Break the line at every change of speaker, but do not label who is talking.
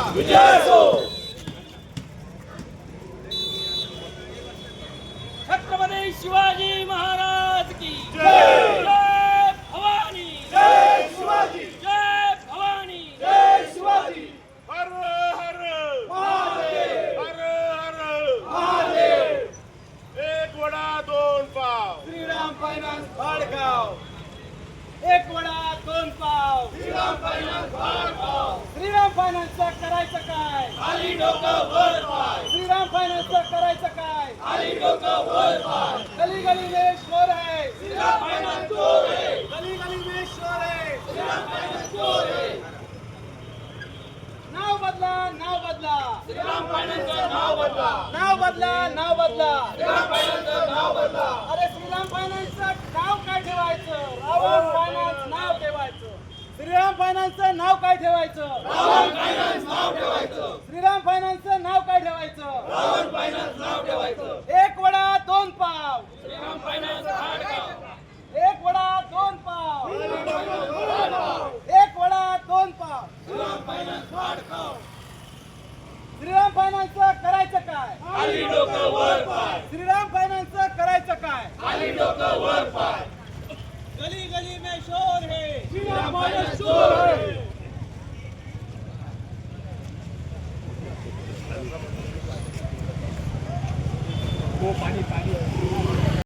छत्रपती शिवाजी महाराज की जय भवानी
जय शिवाजी
जय भवानी
जय शिवाजी
हर हर
महादेव
हर हर
महादेव
एक वडा दोन पाव
श्रीराम फायनान्स भाडगाव
एक वडा दोन पाव
श्रीराम फायनान्स भाडगाव
श्रीराम फायनान्सचं करायचं काय
खाली डोकं वर पाय
श्रीराम फायनान्सचं करायचं काय
खाली डोकं वर पाय
गली गली में शोर है
श्रीराम फायनान्स चोर है
गली गली में शोर है
श्रीराम फायनान्स चोर है
नाव बदला नाव बदला
श्रीराम फायनान्सचं नाव बदला
नाव बदला नाव बदला
श्रीराम फायनान्सचं नाव बदला
अरे श्रीराम फायनान्सचं नाव काय ठेवायचं रावण फायनान्स नाव ठेवायचं श्रीराम फायनान्सचं नाव काय ठेवायचं
रावण फायनान्स नाव ठेवायचं
श्रीराम फायनान्सचं नाव काय ठेवायचं
रावण फायनान्स नाव ठेवायचं
एक वडा दोन पाव
श्रीराम फायनान्स भाडगाव
एक वडा दोन पाव
खाली डोकं वर पाय
एक वडा दोन पाव
श्रीराम फायनान्स भाडगाव
श्रीराम फायनान्सचं करायचं काय
खाली डोकं वर पाय